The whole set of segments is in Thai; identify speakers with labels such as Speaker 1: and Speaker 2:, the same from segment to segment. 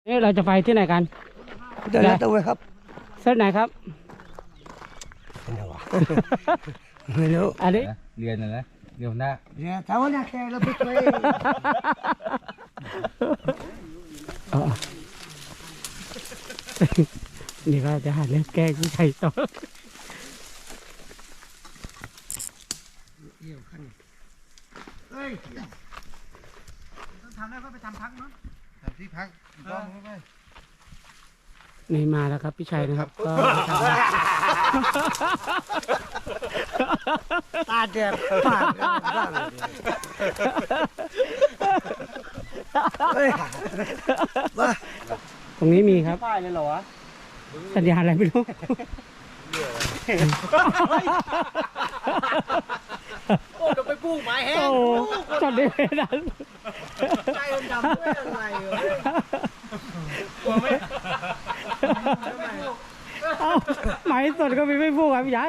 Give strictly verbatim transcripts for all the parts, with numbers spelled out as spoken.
Speaker 1: นี่เราจะไปที่ไหนกัน
Speaker 2: เดินแล้วตัวครับ
Speaker 1: เส้นไหนครับ
Speaker 2: ไม่รู้
Speaker 1: อันนี้
Speaker 3: เรียนนะเรียนหน้า
Speaker 2: เรียนแต่ว่าเนี่ยแค่เราไปช่วย
Speaker 1: นี่ก็จะหาเรื่องแก้ผู้ชายต่อ
Speaker 2: เฮ้ยต้องทำได้ก็ไปทำพักเนาะทำที่พักต้องไป
Speaker 1: นี่มาแล้วครับพี่ชัยนะครับก็
Speaker 2: ตาแดงปาก
Speaker 1: ตรงนี้มีครับป้ายเลยเหรอวะสัญญาณอะไรไม่รู้
Speaker 2: โอ้เดี๋ยวไปปลูกไม้แห้ง
Speaker 1: จอดได้ไม่ได้
Speaker 2: ใจดำด้วยอะไรเหรอกลัวไหม
Speaker 1: เอาไม้สดก็มีไม่พูดครับพี่ชาย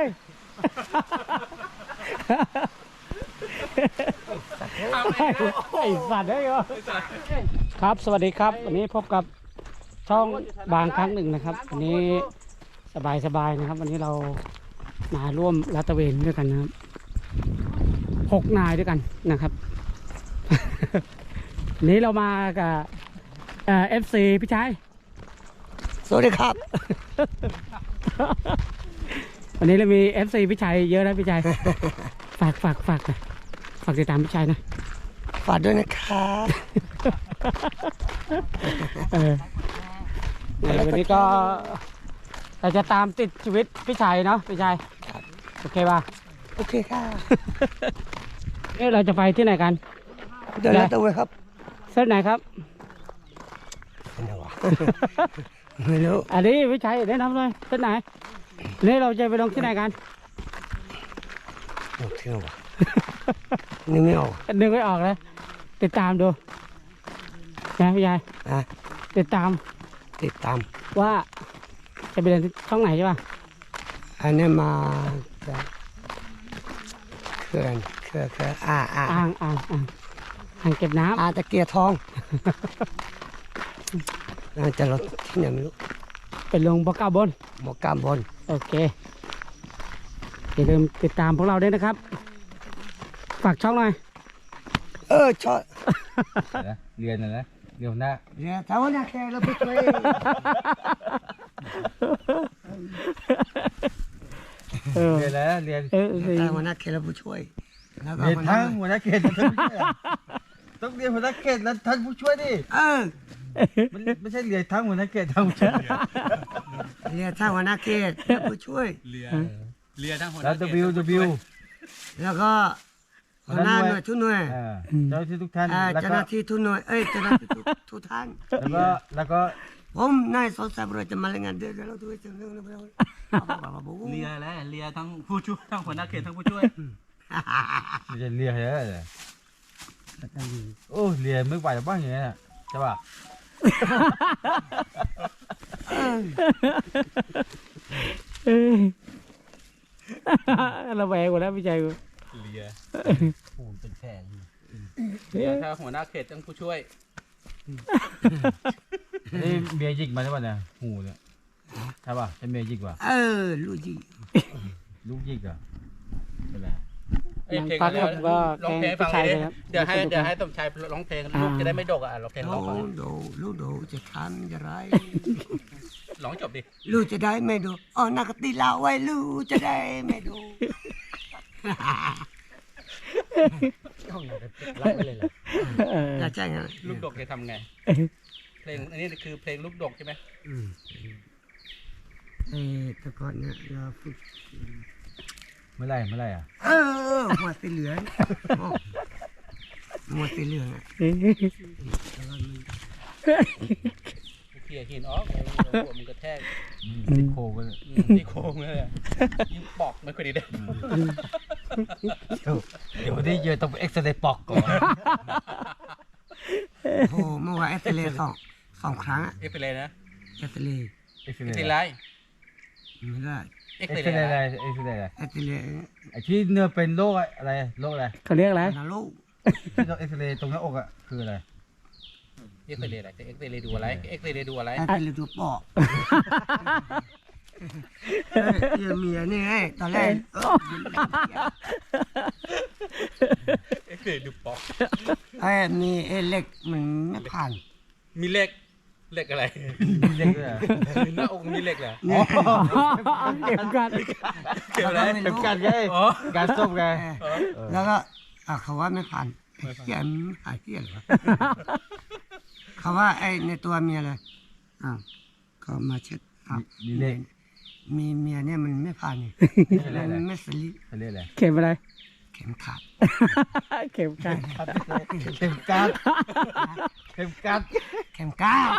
Speaker 1: ไอ้สัตว์ได้เหรอครับสวัสดีครับวันนี้พบกับช่องบางครั้งหนึ่งนะครับวันนี้สบายสบายนะครับวันนี้เรามาร่วมลาดตระเวนด้วยกันนะครับหกนายด้วยกันนะครับวันนี้เรามากับเอ่อฟซีพี่ชาย
Speaker 2: สวัสดีครับ
Speaker 1: วันนี้เรามี เอฟ ซี พี่ชัยเยอะนะพี่ชัย ฝากฝากฝากนะฝากติดตามพี่ชัยนะ
Speaker 2: ฝากด้วยนะครับ
Speaker 1: เออวันนี้ก็เราจะตามติดชีวิตพี่ชัยเนาะพี่ชัยโอเคป่ะ
Speaker 2: โอเคค่ะ
Speaker 1: นี่เราจะไปที่ไหนกัน
Speaker 2: เดินแล้วตัวครับ
Speaker 1: เส้นไหนครับ
Speaker 2: ไม่รู้
Speaker 1: อันนี้พี่ชัยแนะนำเลยเส้นไหนนี่เราจะไปลงที่ไหนกัน
Speaker 2: ลงที่ไหนวะนึกไม่ออก
Speaker 1: นึกไม่ออกเลยติดตามดูนะพี่ชัยติดตาม
Speaker 2: ติดตาม
Speaker 1: ว่าจะไปเรียนช่องไหนใช่ป่ะ
Speaker 2: อันนี้มาจากเขื่อนเขื่อนเขื่อนอ่าอ่า
Speaker 1: อ่างอ่างอ่างอ่างเก็บน้ำ
Speaker 2: อ่าตะเกียร์ทองน่าจะรถที่ไหนไม่รู้
Speaker 1: เป็นลงบกาบน
Speaker 2: บกาบน
Speaker 1: โอเคอย่าลืมติดตามพวกเราด้วยนะครับฝากช่องหน่อย
Speaker 2: เออชอบ
Speaker 3: เรียนนะเรียนหน้า
Speaker 2: เรียนแต่ว่าเนี่ยแค่เราไปช่วย
Speaker 3: เรียนแล้วเรียน
Speaker 2: แต่ว่านักเขตเราผู้ช่วย
Speaker 3: เรียนทั้งหัวหน้าเขตต้องเรียนหัวหน้าเขตแล้วท่านผู้ช่วยดิ
Speaker 2: เออ
Speaker 3: มันไม่ใช่เรียนทั้งหัวหน้าเขตทั้งผู้ช่วย
Speaker 2: เรียนทั้งหัวหน้าเขตผู้ช่วย
Speaker 3: เรียนเรียนทั้งหัวหน้าเขตแล้ว W W
Speaker 2: แล้วก็หัวหน้าหน่วยทุกหน่วย
Speaker 3: เจ้าหน้าที่ทุกท่าน
Speaker 2: เจ้าหน้าที่ทุกหน่วยเอ้ยเจ้าหน้าที่ทุกท่าน
Speaker 3: แล้วก็แล้วก็
Speaker 2: ผมนายสอนสายบริจะมารายงานเดือนแล้วด้วยจังเลยเ
Speaker 4: รียแล้วเรียทั้งผู้ช่วยทั้งหัวหน้าเขตทั้งผู้ช่วย
Speaker 3: ไม่ใช่เรียเหรอโอ้เรียไม่ไหวบ้างอย่างนี้ใช่ป่ะ
Speaker 1: เราแหวกหมดแล้วพี่ใจกู
Speaker 3: เรียโอ้เป็นแผล
Speaker 4: ถ้าหัวหน้าเขตทั้งผู้ช่วย
Speaker 3: นี่เมียยิกมาใช่ป่ะเนี่ยหูเนี่ยใช่ป่ะใช่เมียยิกป่ะ
Speaker 2: เออลูกยิก
Speaker 3: ลูกยิกอ่ะเป็นไร
Speaker 4: เพลงก็ร้องเพลงฟังเลยเดี๋ยวให้เดี๋ยวให้สมชายร้องเพลงลูกจะได้ไม่ดกอ่ะร้องเพลงร้อง
Speaker 2: ลูกดูลูกดูจะทำอย่างไร
Speaker 4: ร้องจบดิ
Speaker 2: ลูกจะได้ไม่ดูอ๋อนักตีลาไว้ลูกจะได้ไม่ดู
Speaker 4: รับไปเลยเหรอ
Speaker 2: จะแจ้งไง
Speaker 4: ลูกดกจะทำไงเพลงอันนี้คือเพลงลูกดกใช่ไหม
Speaker 2: อืมเออแต่ก่อนเนี่ยเราฝึก
Speaker 3: เมื่อไรเมื่อไรอ่ะ
Speaker 2: เออหัวสีเหลืองหัวสีเหลืองอ่ะ
Speaker 4: เขี่ยหินออกมันกระแทก
Speaker 3: ที่โค้งเลย
Speaker 4: ที่โค้งเลยยิ่งปอกไม่ค่อยดีเลย
Speaker 3: เดี๋ยวนี้เยอะต้องเอ็กซเรย์ปอกก่อน
Speaker 2: โอ้เมื่อวานเอ็กซเรย์สองสองครั้ง
Speaker 4: เอ็กซเรย์นะ
Speaker 2: เอ็กซเรย์
Speaker 4: เอ็กซเรย์
Speaker 2: ไม่ได้
Speaker 3: เอ็กซเรย์อะไรเอ็กซเรย์อะไร
Speaker 2: เอ็กซเรย์
Speaker 3: ไอ้ที่เนื้อเป็นโรคอะไรโรคอะไร
Speaker 1: เขาเรียกอะไร
Speaker 2: นาโรค
Speaker 3: ที่เราเอ็กซเรย์ตรงหน้าอกอ่ะคืออะไร
Speaker 4: เอ็กซเรย์อะไรจะเอ็กซเรย์ดูอะไรเอ็กซเรย์ดูอะไร
Speaker 2: ไอ้เป็นฤดูปอกเมียเมียนี่ไงตอนแรก
Speaker 4: เอ็กซเรย์ดูปอก
Speaker 2: ไอ้มีไอ้เล็กมันไม่ผ่าน
Speaker 4: มีเหล็กเหล็กอะไร
Speaker 3: มีเล็กด้วยเหรอ
Speaker 4: หน้าอกมีเหล็กเหรอ
Speaker 2: นี่
Speaker 1: เก็บกัน
Speaker 4: เกี่ยวอะไร
Speaker 3: เข็มกัดไง
Speaker 4: อ๋อ
Speaker 3: การส้มไง
Speaker 2: แล้วก็อ่ะเขาว่าไม่ผ่านไอ้เหี้ยมันไม่หายเหี้ยเหรอเขาว่าไอ้ในตัวเมียเลยอ้าวก็มาเช็ดอ้าว
Speaker 3: มีเล็ก
Speaker 2: มีเมียเนี่ยมันไม่ผ่านนี่
Speaker 3: อะไร
Speaker 2: มัน
Speaker 3: อะไร
Speaker 2: ไม่สลิด
Speaker 3: เขาเรียกอะไร
Speaker 1: เข็มอะไร
Speaker 2: เข็มขาด
Speaker 1: เข็มกัน
Speaker 3: เข็มกัดเข็มกัด
Speaker 2: เข็มก้าว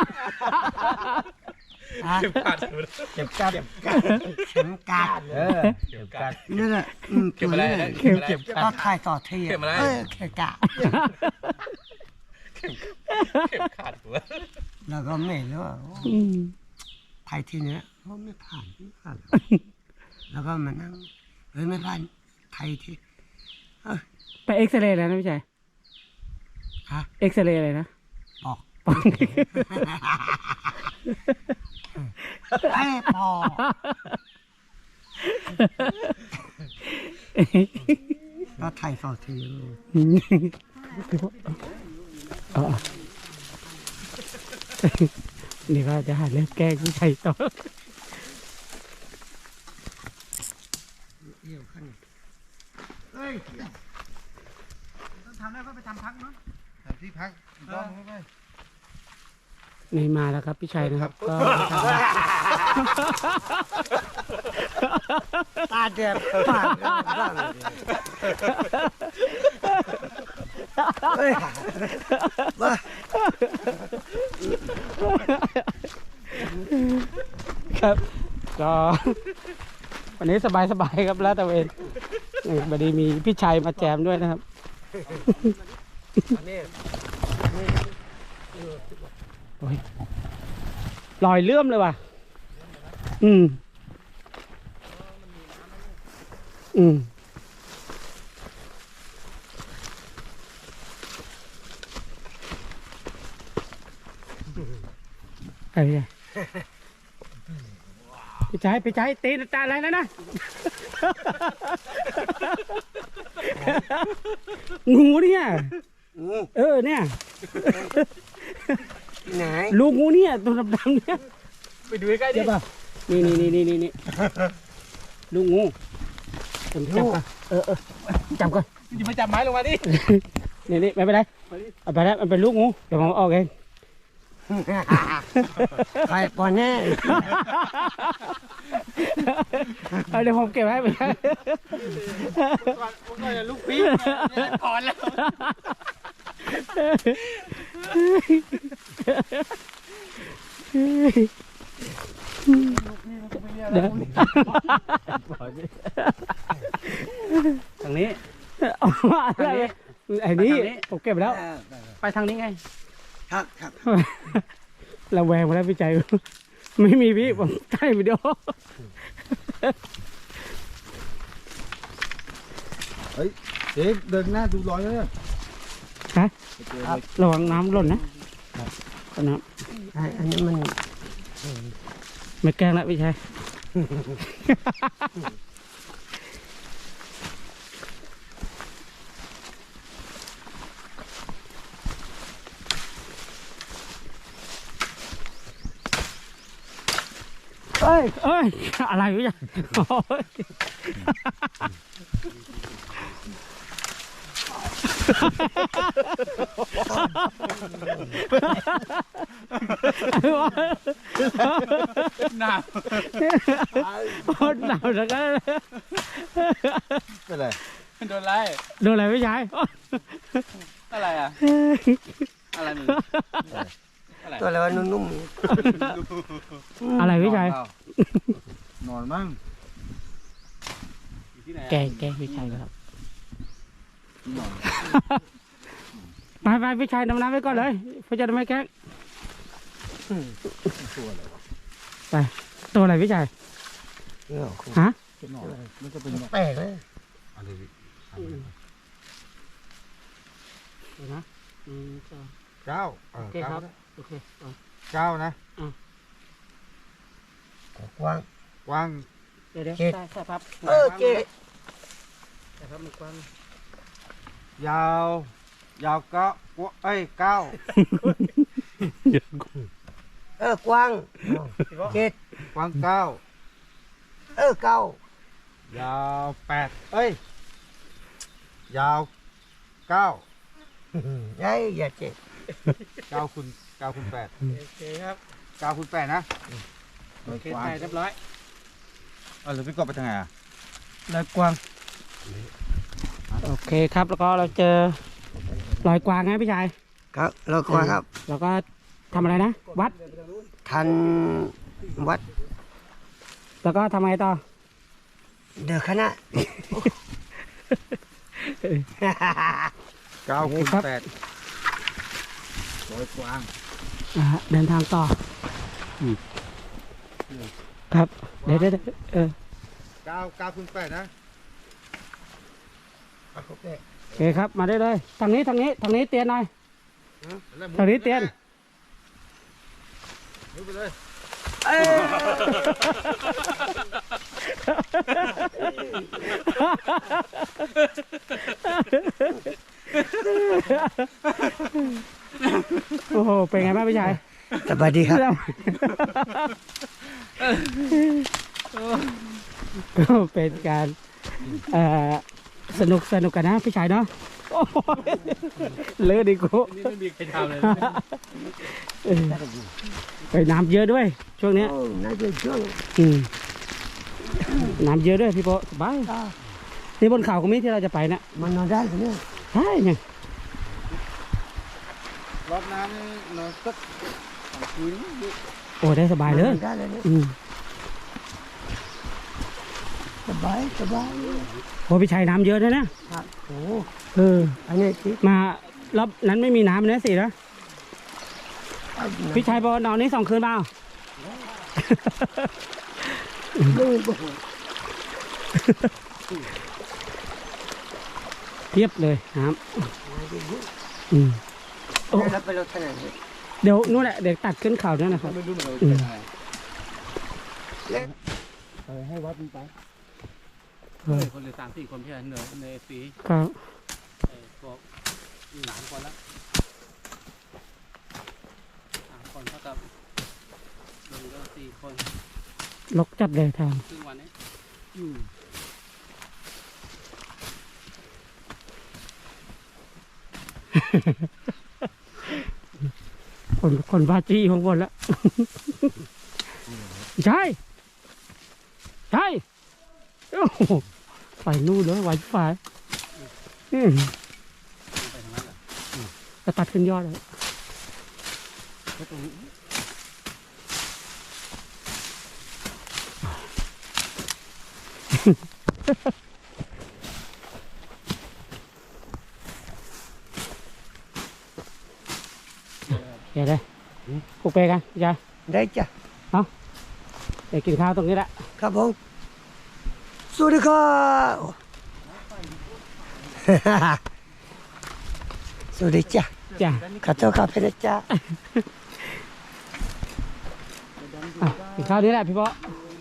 Speaker 2: อ่ะ
Speaker 4: เข็มขัด
Speaker 3: เข็มกัด
Speaker 2: เข็มกัด
Speaker 3: เออเข็มกัด
Speaker 2: นี่แหละอืม
Speaker 4: เข็ม
Speaker 2: ตัว
Speaker 4: อะไร
Speaker 2: นี้แหละ
Speaker 4: เข็มเข็ม
Speaker 2: ก็ถ่ายต่อเทีย
Speaker 4: เข็มอะไร
Speaker 2: เออเข็มกะ
Speaker 4: เข็มขัดหัว
Speaker 2: แล้วก็ไม่รู้ว่า
Speaker 1: อืม
Speaker 2: ไทยทีเนี้ยเขาไม่ผ่านไม่ผ่าน แล้วก็มานั่งเฮ้ยไม่ผ่านไทยทีเออ
Speaker 1: ไปเอ็กซเรย์อะไรนะพี่ชาย
Speaker 2: ฮะ
Speaker 1: เอ็กซเรย์อะไรนะ
Speaker 2: บอก
Speaker 1: ปอก
Speaker 2: ไอ้พอก็ไทยต่อที
Speaker 1: อ๋อนี่ก็จะหาเรื่องแกล้งพี่ชายต่อ
Speaker 2: เอี่ยวขึ้นเฮ้ยต้องทำแล้วก็ไปทำพักเนาะทำที่พักต้องไหม
Speaker 1: นี่มาแล้วครับพี่ชัยนะครับก็
Speaker 2: ตาแดงปากบ้างเฮ้ยมา
Speaker 1: ครับก็วันนี้สบายๆครับแล้วแต่เองนี่บัดนี้มีพี่ชัยมาแจมด้วยนะครับโอ้ยลอยเลื่อมเลยว่ะอืมอืมไอ้เนี่ยพี่ชัยพี่ชัยตีนตาอะไรแล้วนะ งูเนี่ย
Speaker 2: งู
Speaker 1: เออเนี่ย
Speaker 2: ไหน
Speaker 1: ลูกงูเนี่ยตัวดำๆเนี่ย
Speaker 4: ไปดูใกล้ๆดิ
Speaker 1: ใช่ป่ะนี่นี่นี่นี่นี่ลูกงูจับจับก่อนเออเออจับก่อน
Speaker 4: อย่ามาจับไม้ลงมาดิ
Speaker 1: นี่นี่ไม่เป็นไรเอาไปแล้วมันเป็นลูกงูเดี๋ยวผมเอาออกเอง
Speaker 2: ไปปอนแน่
Speaker 1: เอาเดี๋ยวผมเก็บไว้ไป
Speaker 4: ลูกปี๊ถอนแล้ว
Speaker 1: เดี๋ยวทางนี้อะไรไอ้นี่ผมเก็บแล้ว ไปทางนี้ไง
Speaker 2: ครับครับ
Speaker 1: เราแวงมาแล้วพี่ใจ ไม่มีพี่ผมใกล้วิดีโอ
Speaker 3: เฮ้ยเอ๊ะเดินหน้าดูรอยเลย
Speaker 1: ฮะระวังน้ำหล่นนะก็น้
Speaker 2: ไอ้อันนี้มัน
Speaker 1: ำไม่แกล้งแล้วพี่ชัย เอ้ยเอ้ยอะไรวะเนี่ยโอ้ย
Speaker 4: หนาว
Speaker 1: โคตรหนาวจังเลย
Speaker 3: เป็นไร
Speaker 4: โดนไล่
Speaker 1: โดนอะไรพี่ชาย
Speaker 4: อะไรอ่ะอะไรมึงอะไร
Speaker 2: ตัวอะไรวะนุ่ม
Speaker 1: อะไรพี่ชาย
Speaker 3: นอนมั่ง
Speaker 1: แกงแกงพี่ชายครับ
Speaker 3: นอน
Speaker 1: ไปไปพี่ชายดำน้ำไปก่อนเลยพี่จะไม่แกล้ง
Speaker 3: ตัวอะไรวะ
Speaker 1: ไปตัวอะไรพี่ชาย
Speaker 2: ๆเนี่ย
Speaker 1: ฮะ
Speaker 3: นอนมันจะเป็นนอน
Speaker 2: แปลกเลย
Speaker 3: อะไรพี่
Speaker 1: เดี๋ยวนะอืมสอง
Speaker 3: เก้าเออ
Speaker 1: โอเค
Speaker 3: เก้า
Speaker 1: ครับ
Speaker 3: นะ
Speaker 1: โอเคเอา
Speaker 3: เก้านะ
Speaker 2: กว้าง
Speaker 3: กว้าง
Speaker 1: เดี๋ยวเดี๋ยว
Speaker 2: เจ็ด
Speaker 1: ใส่ใส่พับ
Speaker 2: เออเจ๊
Speaker 1: ใส่พับมันกว้าง
Speaker 3: ยาว ยาวเก้ากวเอ้ยเก้า
Speaker 2: เออกว้างเจ็ด
Speaker 3: กว้างเก้า
Speaker 2: เออเก้าย
Speaker 3: าวแปดเอ้ย ยาวเก้า
Speaker 2: ไอ้อย่าเจ๊
Speaker 3: เก้าคูณเก้าคูณแปด
Speaker 1: โอเคครับ
Speaker 3: เก้าคูณแปดนะ
Speaker 1: โอเคใส่เรียบร้อย
Speaker 3: เออหรือพี่กบไปทางไหนอ่ะ
Speaker 1: รอยกวางโอเคครับแล้วก็เราเจอรอยกวางไงพี่ชาย
Speaker 2: ครับเรากว้างครับ
Speaker 1: แล้วก็ทำอะไรนะ วัด
Speaker 2: ทันวัด
Speaker 1: แล้วก็ทำไงต่อ
Speaker 2: เดือคณะ
Speaker 3: เก้าคูณ
Speaker 1: ครับ
Speaker 3: แปดร้อยกว้าง
Speaker 1: อ่าเดินทางต่ออครับเดี๋ยวเดี๋ยวเดี๋ยวเออ
Speaker 3: เก้าเก้าคูณแปดนะ
Speaker 1: โอเคครับมาได้เลยทางนี้ทางนี้ทางนี้เตียนหน่อย ทางนี้เตียน
Speaker 3: มุดไปเลย
Speaker 1: โอ้โหเป็นไงบ้างพี่ชาย
Speaker 2: สวัสดีครับ
Speaker 1: ก็เป็นการเอ่อสนุกสนุกกันนะพี่ชายเนาะโอ้ยเลือดดิกู
Speaker 4: นี่ไม่มีใครทำเลย
Speaker 1: เออไปน้ำเยอะด้วย ช่วงเนี้ย
Speaker 2: โอ้น่าจะช่วง
Speaker 1: อืมน้ำเยอะด้วยพี่โปสบายนี่บนเขาก็มีที่เราจะไปนะ
Speaker 2: มันนอนได้ไหมเนี่ย
Speaker 1: ใช่ไง
Speaker 3: รอบน้ำนี่นอนสักสองคืน
Speaker 1: โอ้ได้สบายเลย
Speaker 2: นอนได้เลยเนี่ย
Speaker 1: อืม
Speaker 2: สบายสบาย
Speaker 1: โอ้พี่ชายน้ำเยอะเลยนะ
Speaker 2: ครับโอ้
Speaker 1: เออ
Speaker 2: อันนี้ที่
Speaker 1: มารอบนั้นไม่มีน้ำนะสินะพี่ชายบอกว่านอนนี้สองคืนเปล่า เทียบเลยน้ำอืม โอ้
Speaker 2: แล้วไปรถขนาดนี้
Speaker 1: เดี๋ยวนู่นแหละเดี๋ยวตัดขึ้นเขาด้วยนะครับ
Speaker 3: ไม่รู้เหมือนกัน
Speaker 1: อืม
Speaker 3: ให้วัดมันไป
Speaker 1: เออ
Speaker 4: คนเหลือสามสี่คนพี่เหนือในปี
Speaker 1: ครับ
Speaker 4: ไอ้พวกหลานคนละสามคนเท่ากับหนึ่งก็สี่คน
Speaker 1: ลกจัดเลยทาง
Speaker 4: ครึ่งวันนี้
Speaker 1: คนคนบาจี้ของบนแล้ว ใช่ใช่โอ้โหไปนู่นเลยไวไฟอืม
Speaker 4: ไปทางนั้นเหรอ
Speaker 1: จะตัดขึ้นยอดเลยเดี๋ยวเลยปลุกเปกันยาย
Speaker 2: ได้จ้ะ
Speaker 1: เดี๋ยวกินข้าวตรงนี้แหละ
Speaker 2: ครับผมสวัสดีครับสวัสดีจ้ะ
Speaker 1: จ้ะ
Speaker 2: ขอโทษครับพี่นะจ๊ะ
Speaker 1: อ่ะกินข้าวนี้แหละพี่ป๊อ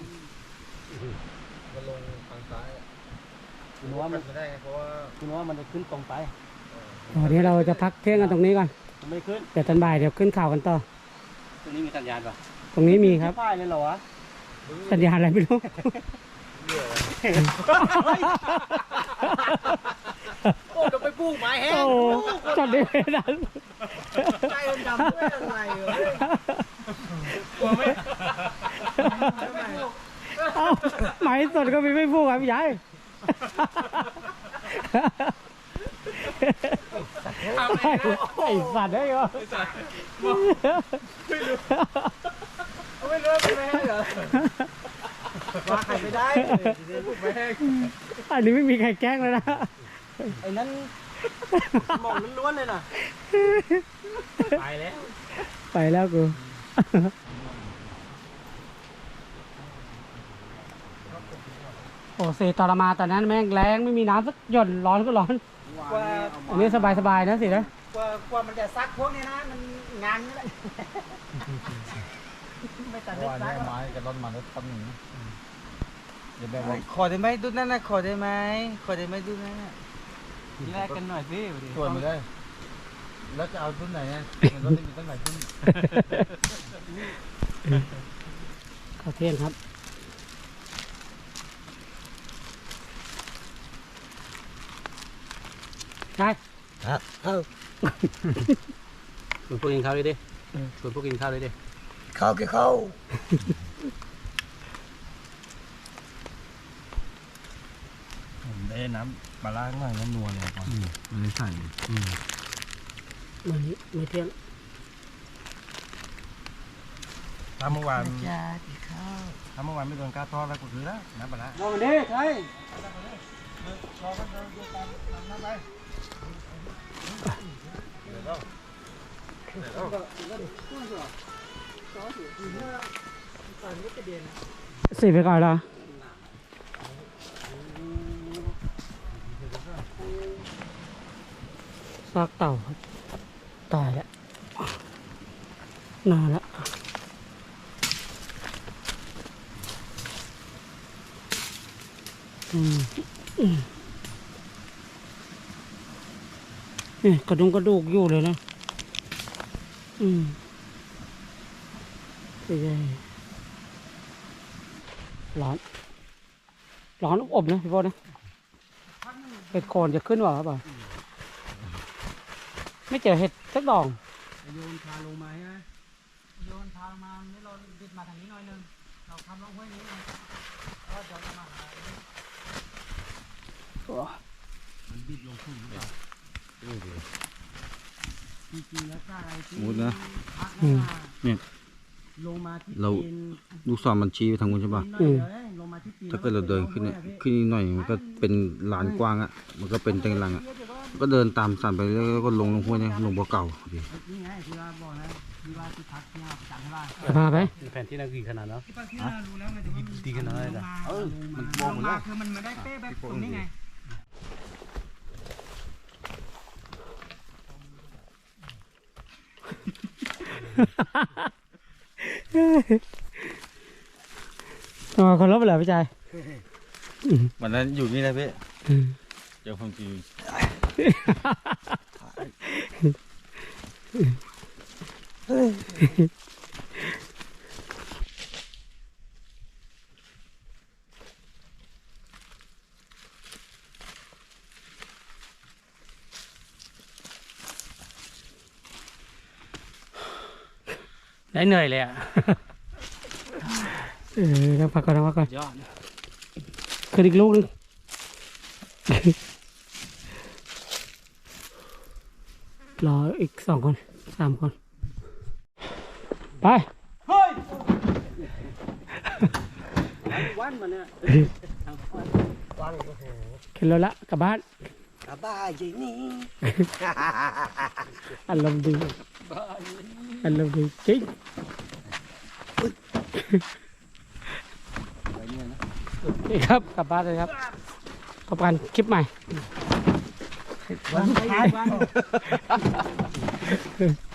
Speaker 3: มันลงทางซ้าย
Speaker 4: คุณว่ามัน
Speaker 3: ไม่ได้ไงเพราะว่า
Speaker 4: คุณว่ามันจะขึ้นตรงไป
Speaker 1: วันนี้เราจะพักเที่ยงกันตรงนี้ก่อน
Speaker 4: มันไม่ขึ้น
Speaker 1: เดี๋ยวตอนบ่ายเดี๋ยวขึ้นข่าวกันต่อ
Speaker 4: ตรงนี้มีสัญญาณป่ะ
Speaker 1: ตรงนี้มีครับ
Speaker 4: ป้ายเลยเหรอวะ
Speaker 1: สัญญาณอะไรไม่รู้
Speaker 4: โอ้จะไปปลูกไม้แห้
Speaker 1: โอ้
Speaker 4: ง
Speaker 1: จอดได้ไม่นาน
Speaker 4: ใจมันดำด้วยอะไรเหรอ
Speaker 1: เอ้าหมายสดก็มีไม่พูดครับพี่ใหญ่ ไอ้สัตว์ได้เหรอ
Speaker 4: ไม่รู้เป็นไม้แห้งเหรอว่าใครไม่ได้ปลูกไม้แห้ง
Speaker 1: อันนี้ไม่มีใครแกล้งเลยนะ
Speaker 4: ไอ้นั้นหมองล้วนๆเลยน่ะไปแล้ว
Speaker 1: ไปแล้วกู โอ้เซตรมาตอนนั้นแม่งแรงไม่มีน้ำสักหย่อนร้อนก็ร้อน
Speaker 4: ว่า
Speaker 1: อันนี้สบายๆนะสินะ
Speaker 4: กกว่ากว่ามันจะซักพวกนี้นะมันงานนี่แหละไม่ตัด
Speaker 3: เพ
Speaker 4: ได้
Speaker 3: ราะว่า
Speaker 4: ซัก
Speaker 3: เนี่ยไม้กับต้นมันก็ทำหนึ่งนะเดี๋ยวแบบว่า
Speaker 4: ขอได้ไหมดูนั่นนะขอได้ไหมขอได้ไหมดูนั่นน่ะแลกกันหน่อยสิ
Speaker 3: ส่วนมาได้ แล้วจะเอาต้นไหนอ่ะมันก็มีต้นไหนต้น
Speaker 1: ข้าวเที่ยงครับใช่
Speaker 2: ครับเข้า
Speaker 1: ชวนพวกกินข้าวเลยดิชวนพวกกินข้าวเลยดิ
Speaker 2: เข้าก็เข้า
Speaker 5: ผมได้น้ำปลาล่างหน่อยน้ำนัวเลยก่อน
Speaker 3: มันไม่ใส่
Speaker 1: วันนี้ไม่เที่ยง
Speaker 5: ถ้าเมื่อวาน
Speaker 2: จ้าที่เข้า
Speaker 5: ถ้าเมื่อวานไม่โดนกล้าทอดแล้วก็คือแล้วน้ำปลาล่า
Speaker 4: ลองดิใช่
Speaker 1: สี่ไปก่อนละซากเต่าครับตายแล้วนานแล้วอืมอืมนี่กระดุมกระดูกอยู่เลยนะอืมใช่ร้อน ร้อนอบนะพี่พ่อนะเห็ดโคนจะขึ้นหรอครับบ่ไม่เจอเห็ดสักดอก
Speaker 4: โยนพาลงมาใช่ไหมโยนพาลงมาไม่เราดิดมาทางนี้หน่อยนึงเราทำลงห้วยนี้ไงก็จะมาหา
Speaker 5: มันบิดลงทุ่งหรือเปล่า
Speaker 4: จริงๆแล้วถ้าอะไรที่
Speaker 3: มุดนะ
Speaker 4: พัก
Speaker 1: อืม
Speaker 3: เนี่ย
Speaker 4: ลงมาที่
Speaker 3: เรา
Speaker 4: ตีน
Speaker 3: ลูกศรมันชี้ไปทางนู้นใช่ป่ะ
Speaker 1: อืม
Speaker 4: ลงมาที่ตีน
Speaker 3: ถ้าเกิดเราเดินขึ้นเนี่ยขึ้นนิดหน่อยมันก็เป็นลานกว้างอ่ะ มันก็เป็นเต็งรังอ่ะ ก็เดินตามสันไปแล้วก็ลงลงห้วยเนี่ยลงบ่อเก่าดิ
Speaker 4: นี่ไงที่ว่าบอกนะที่ว่าที่พักที่เราประจำใช่ป่ะ
Speaker 1: จะพาไป
Speaker 5: แผนที่นั่นกี่ขนาดเนาะ
Speaker 4: ที่พักที่เรารู้แล้วไงแต่ว่ามัน
Speaker 5: ตีกันอะไรล่ะ
Speaker 4: เออมันมองมาคือมันไม่ได้เป๊ะแบบตรงนี้ไง
Speaker 1: อ๋อคนรบไปเหรอพี่ชาย
Speaker 3: วันนั้นอยู่นี่แหละพี่
Speaker 1: อืม
Speaker 3: เจอความจริง
Speaker 1: ได้เหนื่อยเลยอ่ะ เออนั่งพักก่อนนั่งพักก่อน
Speaker 5: ยอด
Speaker 1: ขึ้นอีกลูกนึง รออีกสองคนสามคน ไป
Speaker 4: วันมันเนี่ย
Speaker 2: วันโอ้โห
Speaker 1: ขึ้นรถละกลับบ้าน
Speaker 2: กระบ้าจีนี่
Speaker 1: อารมณ์ดีอารมณ์ดีจริงนี่ครับกลับบ้านเลยครับพบกันคลิปใหม่
Speaker 4: วันสุดท้ายวัน